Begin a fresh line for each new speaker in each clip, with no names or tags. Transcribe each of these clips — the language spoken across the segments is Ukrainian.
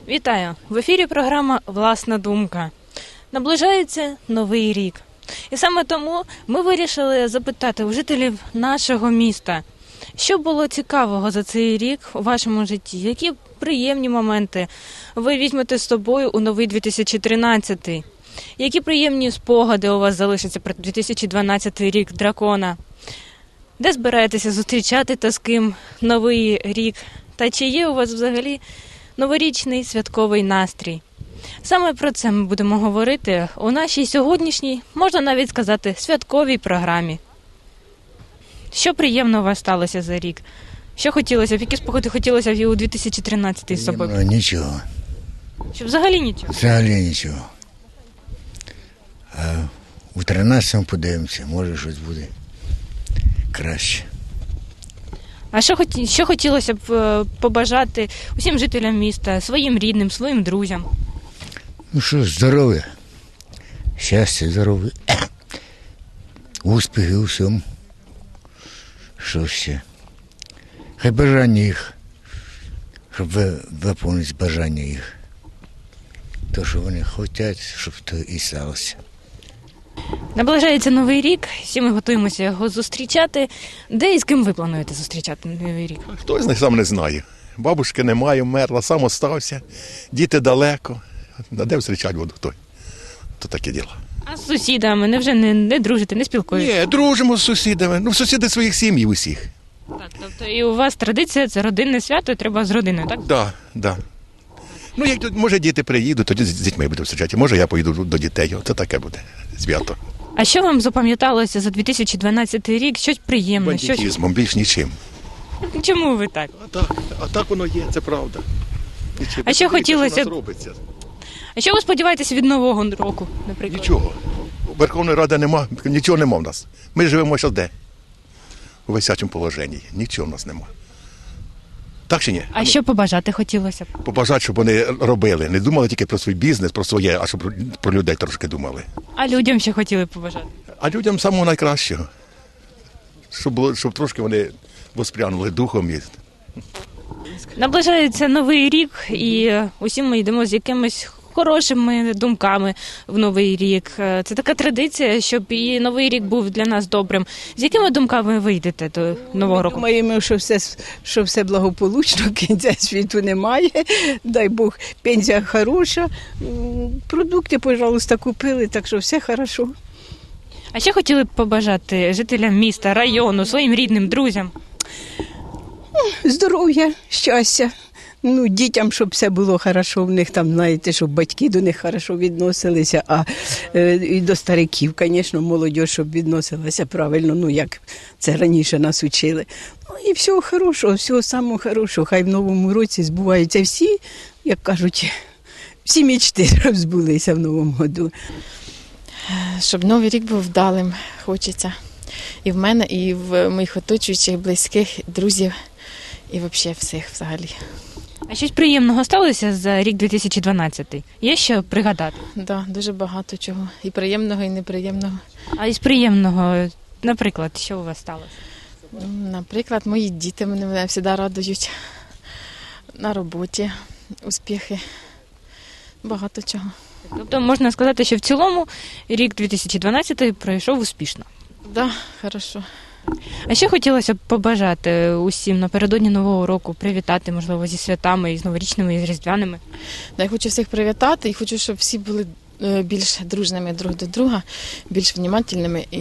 Вітаю! В ефірі програма «Власна думка». Наближається Новий рік. І саме тому ми вирішили запитати у жителів нашого міста, що було цікавого за цей рік у вашому житті, які приємні моменти ви візьмете з собою у новий 2013, які приємні спогади у вас залишаться про 2012 рік дракона, де збираєтеся зустрічати та з ким Новий рік, та чи є у вас взагалі новорічний святковий настрій. Саме про це ми будемо говорити у нашій сьогоднішній, можна навіть сказати, святковій програмі. Що приємно у вас сталося за рік? Що хотілося б, які спогади хотілося б і у 2013 з собою?
Нічого.
Що взагалі нічого?
Взагалі нічого. А у 13-му подивимося, може щось буде краще.
А що хотілося б побажати усім жителям міста, своїм рідним, своїм друзям?
Ну що, здоров'я, щастя, здоров'я, успіхи у всьому. Що ще? Хай бажання їх, щоб виповнити бажання їх. То, що вони хочуть, щоб то і сталося.
Наближається Новий рік, всі ми готуємося його зустрічати. Де і з ким ви плануєте зустрічати Новий рік?
Хто з них сам не знає. Бабушки немає, вмерла, сам остався, діти далеко. А де зустрічати буду хто? То таке діло.
А з сусідами невже не дружите, не спілкуєтеся?
Ні, дружимо з сусідами. Ну, сусіди своїх сім'ї усіх.
Так, тобто і у вас традиція, це родинне свято, і треба з родиною, так?
Так, так. Ну, як тут, може, діти приїдуть, тоді з дітьми буду зустрічати. Може, я поїду до дітей. Це таке буде свято.
А що вам запам'яталося за 2012 рік? Щось приємне?
Бандитизмом, більш нічим.
Чому ви так?
А так воно є, це правда. Нічим.
А що хотілося б?
Що у нас робиться?
А що ви сподіваєтеся від Нового року, наприклад?
Нічого. Верховної Ради нема, нічого нема в нас. Ми живемо ще де? У висячому положенні. Нічого в нас нема. Так чи ні?
А що побажати хотілося б?
Побажати, щоб вони робили. Не думали тільки про свій бізнес, про своє, а щоб про людей трошки думали.
А людям що хотіли б побажати?
А людям самого найкращого. Щоб трошки вони воспрянули духом.
Наближається Новий рік, і усі ми йдемо з якимись хорошими думками в Новий рік. Це така традиція, щоб і Новий рік був для нас добрим. З якими думками ви йдете до Нового року?
Думаємо, що все благополучно, кінця світу немає, дай Бог, пенсія хороша, продукти, пожалуйста, купили, так що все хорошо.
А що хотіли б побажати жителям міста, району, своїм рідним, друзям?
Здоров'я, щастя. Ну, дітям, щоб все було хорошо в них, там, знаєте, щоб батьки до них хорошо відносилися, а і до стариків, звісно, молодь, щоб відносилася правильно, ну, як це раніше нас учили. Ну, і всього хорошого, всього самого хорошого. Хай в новому році збуваються всі, як кажуть, всі мечти збулися в новому году.
Щоб Новий рік був вдалим, хочеться. І в мене, і в моїх оточуючих, близьких, друзів, і взагалі всіх взагалі.
А щось приємного сталося за рік 2012? Є що пригадати?
Так, дуже багато чого. І приємного, і неприємного.
А із приємного, наприклад, що у вас сталося?
Наприклад, мої діти мене завжди радують. На роботі, успіхи. Багато чого.
Тобто можна сказати, що в цілому рік 2012 пройшов успішно?
Так, хорошо.
А що хотілося б побажати усім напередодні Нового року, привітати, можливо, зі святами, і з новорічними, і з різдвяними?
Я хочу всіх привітати і хочу, щоб всі були більш дружними друг до друга, більш внимательними і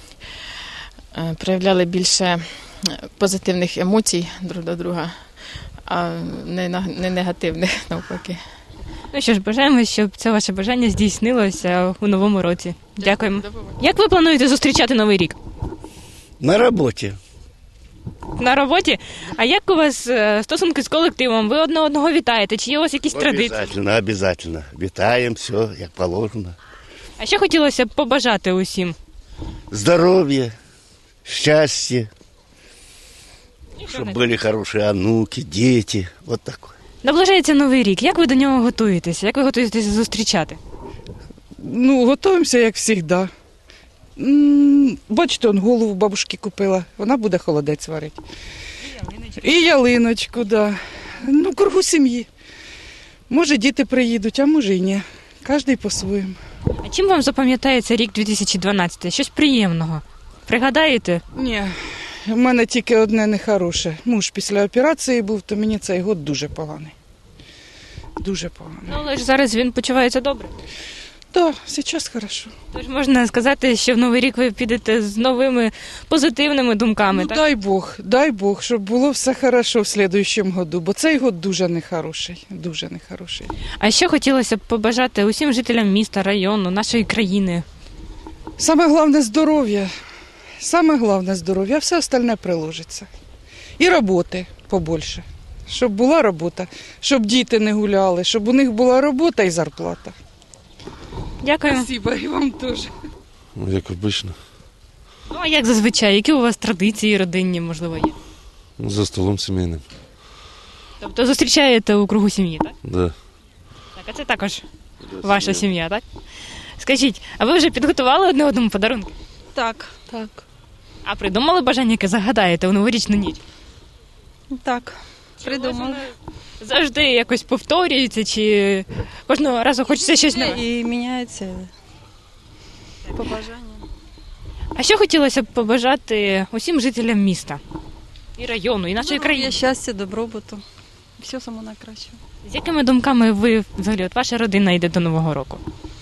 проявляли більше позитивних емоцій друг до друга, а не негативних навпаки.
Ну що ж, бажаємо, щоб це ваше бажання здійснилося у новому році. Дякуємо. Як ви плануєте зустрічати Новий рік?
На роботі.
На роботі? А як у вас стосунки з колективом? Ви одне одного вітаєте? Чи є у вас якісь традиції?
Обязательно. Вітаємо, все, як положено.
А що хотілося б побажати усім?
Здоров'я, щастя, щоб були хороші онуки, діти, от таке.
Наближається Новий рік. Як ви до нього готуєтеся? Як ви готуєтеся зустрічати?
Ну, готуємося, як завжди. Бачите, он голову бабушки купила, вона буде холодець варити. І ялиночку, да. Ну, кругу сім'ї. Може, діти приїдуть, а може і ні. Кожен по-своєму.
А чим вам запам'ятається рік 2012? Щось приємного? Пригадаєте?
Ні, в мене тільки одне нехороше. Муж після операції був, то мені цей год дуже поганий. Дуже поганий.
Ну, але ж зараз він почувається добре.
Так, зараз хорошо.
Тож можна сказати, що в Новий рік ви підете з новими позитивними думками,
Ну,
так?
дай Бог, щоб було все хорошо в слідуючому году, бо цей год дуже нехороший, дуже нехороший.
А що хотілося б побажати усім жителям міста, району, нашої країни?
Саме головне здоров'я. Саме головне здоров'я, а все остальне приложиться. І роботи побольше. Щоб була робота, щоб діти не гуляли, щоб у них була робота і зарплата.
Дякую.
Спасибо, і вам теж.
Ну, як обично.
Ну, а як зазвичай? Які у вас традиції родинні, можливо, є?
Ну, за столом сімейним.
Тобто зустрічаєте у кругу сім'ї, так?
Да.
Так, а це також ваша сім'я, так? Скажіть, а ви вже підготували одне одному подарунки?
Так,
А придумали бажання, яке загадаєте у новорічну ніч?
так.
Чи у вас
Придумали.
воно завжди якось повторюється, чи кожного разу хочеться щось нове?
І міняється побажання.
А що хотілося б побажати усім жителям міста? І району, і нашої країни?
Щастя, добробуту. Все саме найкраще.
З якими думками ви, взагалі, от ваша родина йде до Нового року?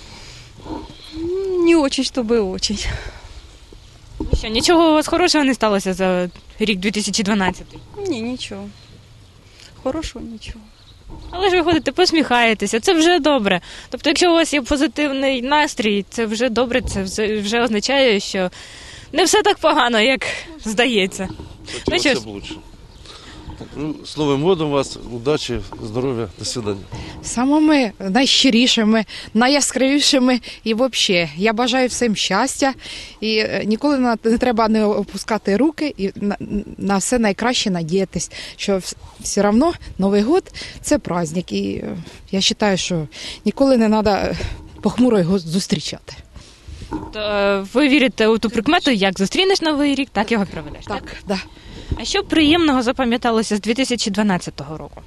Не очень, чтобы очень.
Що, нічого у вас хорошого не сталося за рік 2012?
Ні, нічого. Хорошого нічого.
Але ж ви ходите, посміхаєтеся, це вже добре. Тобто, якщо у вас є позитивний настрій, це вже добре, це вже означає, що не все так погано, як здається. Ну що ж,
Все лучше. Ну, з Новим годом вас, удачі, здоров'я, до свидання.
Самими найщирішими, найяскравішими і взагалі. Я бажаю всім щастя і ніколи не треба не опускати руки і на все найкраще надіятись, що все одно Новий год – це праздник. І я вважаю, що ніколи не треба похмуро його зустрічати.
ви вірите у ту прикмету, як зустрінеш Новий рік, так його проведеш, так?
Так, да.
А що приємного запам'яталося з 2012 року?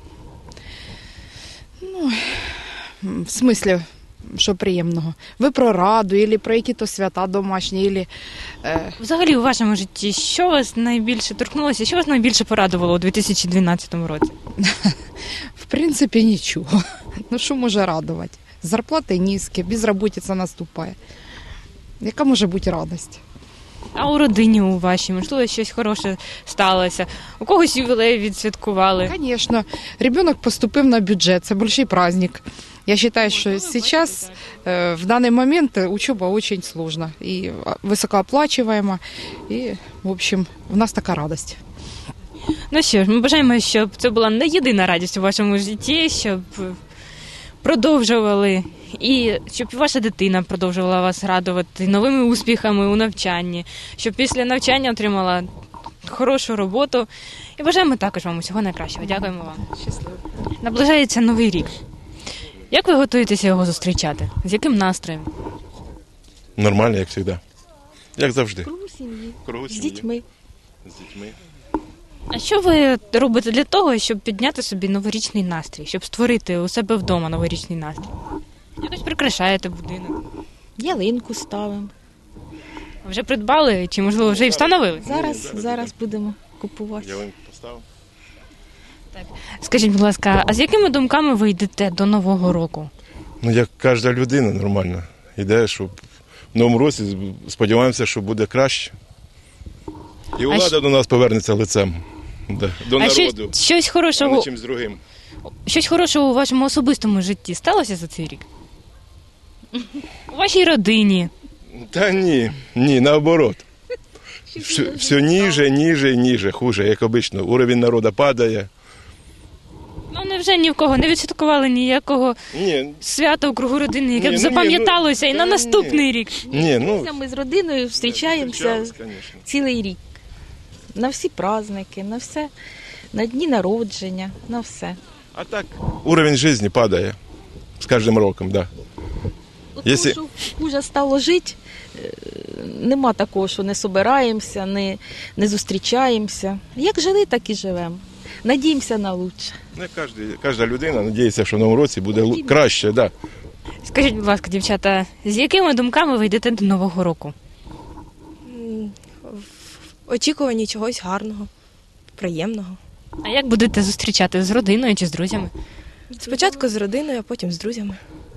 В смислі, що приємного? Ви про раду, або про які-то свята домашні, або...
Взагалі у вашому житті, що вас найбільше торкнулося, що вас найбільше порадувало у 2012 році?
В принципі, нічого. Ну, що може радувати? Зарплати низькі, безробітця наступає. Яка може бути радість?
А у родині у вашій, можливо, щось хороше сталося? У когось ювілей відсвяткували?
Звісно. Ребенок поступив на бюджет, це великий праздник. Я вважаю, що зараз, в даний момент, учоба дуже складна і високооплачуваема. І, в общем, у нас така радість.
Ну що ж, ми бажаємо, щоб це була не єдина радість у вашому житті, щоб продовжували і щоб ваша дитина продовжувала вас радувати новими успіхами у навчанні, щоб після навчання отримала хорошу роботу. І бажаємо також вам усього найкращого. Дякуємо вам.
Щасливо.
Наближається Новий рік. Як ви готуєтеся його зустрічати? З яким настроєм?
Нормально, як завжди. Як завжди.
Кругу сім'ї. З дітьми.
А що ви робите для того, щоб підняти собі новорічний настрій, щоб створити у себе вдома новорічний настрій? Якось прикрашаєте будинок?
Ялинку ставимо.
Вже придбали чи, можливо, вже і встановили?
Зараз будемо купувати.
Ялинку поставив.
Скажіть, будь ласка, а з якими думками ви йдете до Нового року?
Ну, як кожна людина нормально. Іде, щоб в новому році сподіваємося, що буде краще. І влада до нас повернеться лицем. До народу.
Щось
А
хорошого,
не чимсь другим.
щось хорошого у вашому особистому житті сталося за цей рік? У вашій родині?
Та ні, наоборот. Все ніже, хуже, як обично. Уровень народу падає.
Ну, невже ні в кого не відсвяткували ніякого свята у кругу родини, яке б запам'яталося і на наступний рік?
Ми з родиною зустрічаємося цілий рік. На всі праздники, на все, на дні народження, на все.
А так, уровень життя падає з кожним роком, так.
Тому що хуже стало жити, нема такого, що не собираємося, не зустрічаємося. Як жили, так і живемо. надіємося на лучше.
Не кожна людина надіється, що в новому році буде краще. Да.
Скажіть, будь ласка, дівчата, з якими думками ви йдете до Нового року?
В очікуванні чогось гарного, приємного.
А як будете зустрічати, з родиною чи з друзями?
Спочатку з родиною, а потім з друзями.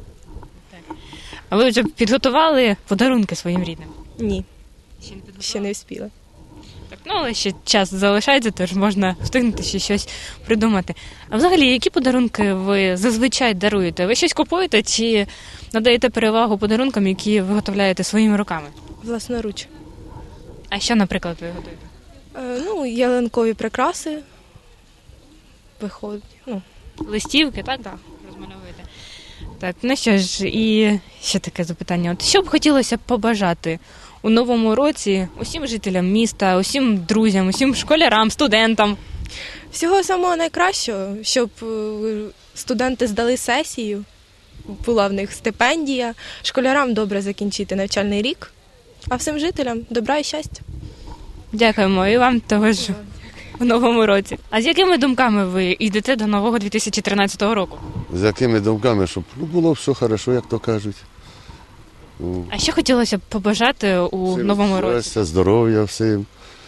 А ви вже підготували подарунки своїм рідним?
Ні, ще не встигла.
Так, ну, але ще час залишається, тож можна встигнути ще щось придумати. А взагалі, які подарунки ви зазвичай даруєте? Ви щось купуєте чи надаєте перевагу подарункам, які виготовляєте своїми руками?
Власноруч.
А що, наприклад, ви готуєте?
Ялинкові прикраси. Виходить.
Листівки, так? Так. Розмальовуєте. Так, ну що ж, і ще таке запитання. От що б хотілося побажати у новому році усім жителям міста, усім друзям, усім школярам, студентам?
Всього самого найкращого, щоб студенти здали сесію, була в них стипендія, школярам добре закінчити навчальний рік, а всім жителям добра і щастя.
Дякуємо, і вам того ж у новому році. А з якими думками ви йдете до нового 2013 року?
З якими думками, щоб було все хорошо, як то кажуть.
А що хотілося б побажати у новому році?
Щастя, здоров'я всім.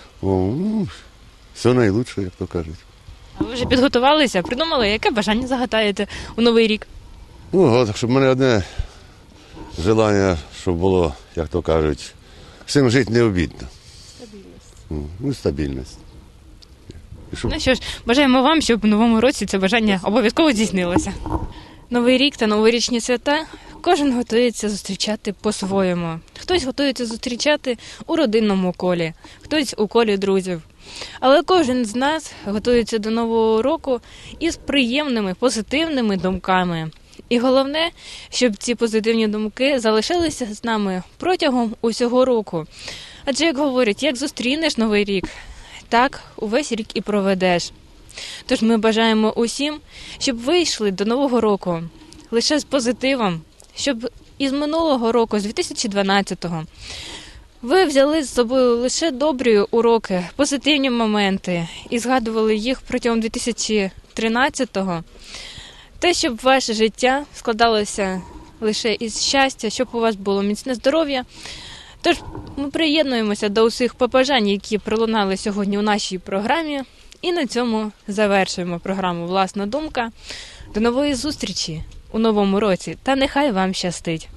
Все найкраще, як то кажуть.
А ви вже підготувалися, придумали, яке бажання загадаєте у новий рік?
Щоб в мене одне бажання, щоб було, як то кажуть, всім жити не обідно. Стабільність.
Ну що ж, бажаємо вам, щоб у новому році це бажання обов'язково здійснилося. Новий рік та новорічні свята кожен готується зустрічати по-своєму. Хтось готується зустрічати у родинному колі, хтось у колі друзів. Але кожен з нас готується до Нового року із приємними, позитивними думками. І головне, щоб ці позитивні думки залишилися з нами протягом усього року. Адже, як говорять, як зустрінеш Новий рік, так увесь рік і проведеш. Тож ми бажаємо усім, щоб ви йшли до Нового року лише з позитивом, щоб із минулого року, з 2012-го, ви взяли з собою лише добрі уроки, позитивні моменти і згадували їх протягом 2013-го. Те, щоб ваше життя складалося лише із щастя, щоб у вас було міцне здоров'я. Тож ми приєднуємося до усіх побажань, які пролунали сьогодні у нашій програмі. І на цьому завершуємо програму «Власна думка». До нової зустрічі у новому році та нехай вам щастить!